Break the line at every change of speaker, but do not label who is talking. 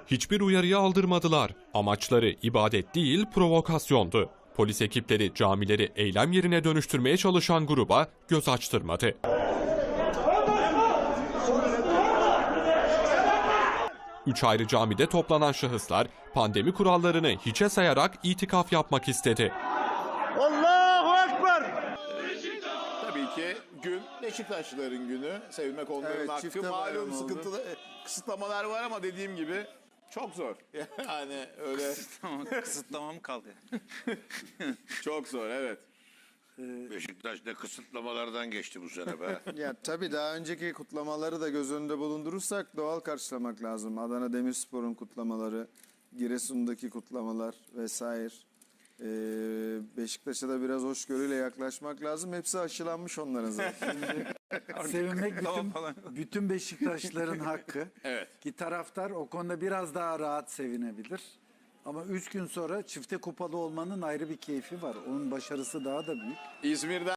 Hiçbir uyarıyı aldırmadılar. Amaçları ibadet değil, provokasyondu. Polis ekipleri camileri eylem yerine dönüştürmeye çalışan gruba göz açtırmadı. Üç ayrı camide toplanan şahıslar pandemi kurallarını hiçe sayarak itikaf yapmak istedi.
Allahu Ekber!
Tabii ki gün Beşiktaşlıların günü. Sevilmek onların
Evet,
hakkı.
çifte
Malum
bayram oldu.
sıkıntılı kısıtlamalar var ama dediğim gibi çok zor. Yani öyle
Kısıtlamam kaldı.
çok zor, evet.
Beşiktaş ne kısıtlamalardan geçti bu sene be.
Ya tabii daha önceki kutlamaları da göz önünde bulundurursak doğal karşılamak lazım. Adana Demirspor'un kutlamaları, Giresun'daki kutlamalar vesaire. Beşiktaş'a da biraz hoşgörüyle yaklaşmak lazım. Hepsi aşılanmış onların zaten.
Sevinmek bütün Beşiktaşların hakkı.
Evet.
Ki taraftar o konuda biraz daha rahat sevinebilir. Ama 3 gün sonra çifte kupalı olmanın ayrı bir keyfi var. Onun başarısı daha da büyük.
İzmir'den